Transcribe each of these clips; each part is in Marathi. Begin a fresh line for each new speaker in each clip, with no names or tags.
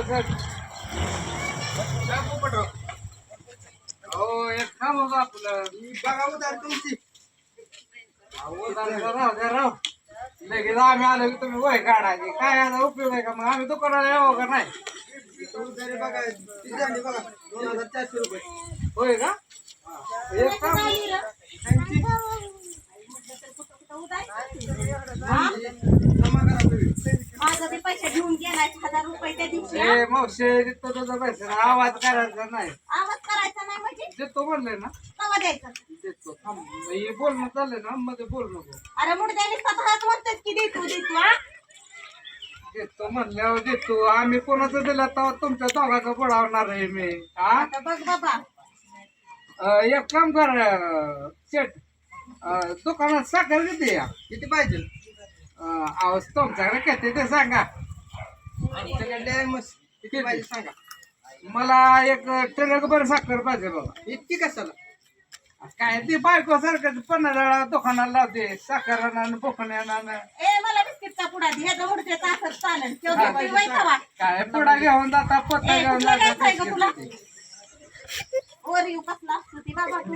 हो एक काम होतं आपलं
बघा उधार तुमची.
राव लगेच आम्ही आलो की तुम्ही वय काढायचे काय आता उपयोग आहे का मग आम्ही दुकानाला यावं का नाही
उधारी बघा ती झाली बघा 2400 रुपये.
होय का एक काम
त्यांची जमा करा तुम्ही.
माझं ते पैसे घेऊन गेलाय 1000 रुपये त्या दिवशी हा?
ए मावशे देतो तुझा पैसा आवाज करायचा नाही
आवाज करायचा नाही म्हणजे
देतो म्हणलंय ना
कवा द्यायचं
देतो थांब हे बोलणं चाललंय ना मध्ये बोल नको
अरे मुडद्याने स्वतःच म्हणतात की देतो देतो हा
देतो म्हणल्यावर देतो आम्ही कोणाचं दिलं तेव्हा तुमच्या दोघाचं बुडावणार आहे मी हा
आता बघ बाबा
एक काम कर शेट दुकानात साखर किती या
किती पाहिजे?
आवाज तुमच्याकडे किती ते सांगा
आमच्याकडे आहे मस्त. किती पाहिजे सांगा.
मला एक ट्रक भर साखर पाहिजे बाबा
इतकी कशाला?
काय ते बायको सारखं 15 दुकानाला लावते साखर आणि बोकण्यानं
ए मला बिस्किटचा पुडा दे ह्याचा मुडद्याचा असं चालेल तेवढं पिवाय खावा
काय पुढा घेऊन जाता पोता
ए,
घेऊन
कुठला घ्यायचा आहे का तुला?
जाता
वर येऊ कसला असतो ती बाबा तू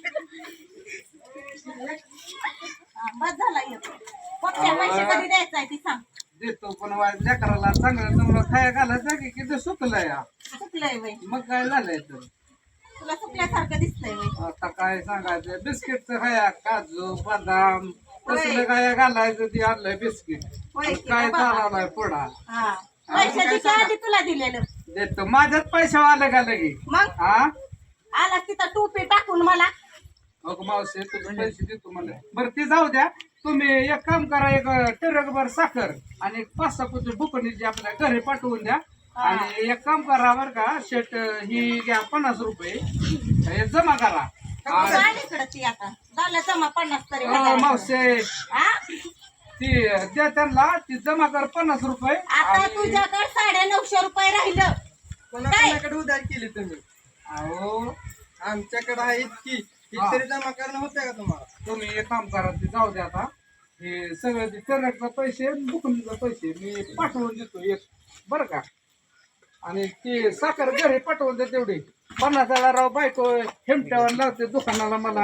बस झाला येतो पप्प्या पैसे कधी द्यायचा आहे ती सांग
देतो पण लेकराला चांगलं तुम्हाला खाया घालायचं की किती सुकलंय हा.
चुकलंय वय
मग काय झालंय तर
तुला चुकल्यासारखं दिसतंय वय
आता काय सांगायचं बिस्किटचं खाया काजू बदाम तसलं काय घालायचं ते आणलंय बिस्किट
होय की
काय
बाबा?
चालवलाय पुढा
हा पैशाची आधी तुला दिलेलं
देतो माझ्यात पैसे आले का लगे
मग
हा
आला तिथं टोपी टाकून मला
अगं मावशी तुझे पैसे देतो मला बरं ते जाऊ द्या तुम्ही एक काम करा एक टिरकभर साखर आणि एक 5-6 पोती बुकणीची आपल्या घरी पाठवून द्या आणि एक काम करा बरं का शेट ही घ्या 50 रुपये हे जमा करा
इकडं ती आता झालं जमा 50 तरी हजार.
मावशे
हा?
ती द्या त्यांना ती जमा कर 50 रुपये
आता तुझ्याकडे 950 रुपये राहिलं
कोणाकोणाकडे उधार केली तुम्ही?
अहो
आमच्याकडे आहे इतकी. इतरी जमा करणं होतंय का तुम्हाला?
तुम्ही एक काम करा ते जाऊ द्या आता हे सगळं ते टिरकचा पैसे बुकणीचे पैसे मी पाठवून देतो एक बरं का आणि ती साखर घरी पाठवून दे तेवढी 50 राव बायको हेमट्यावर लावते दुकानाला मला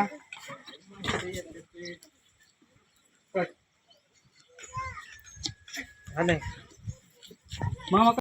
मामा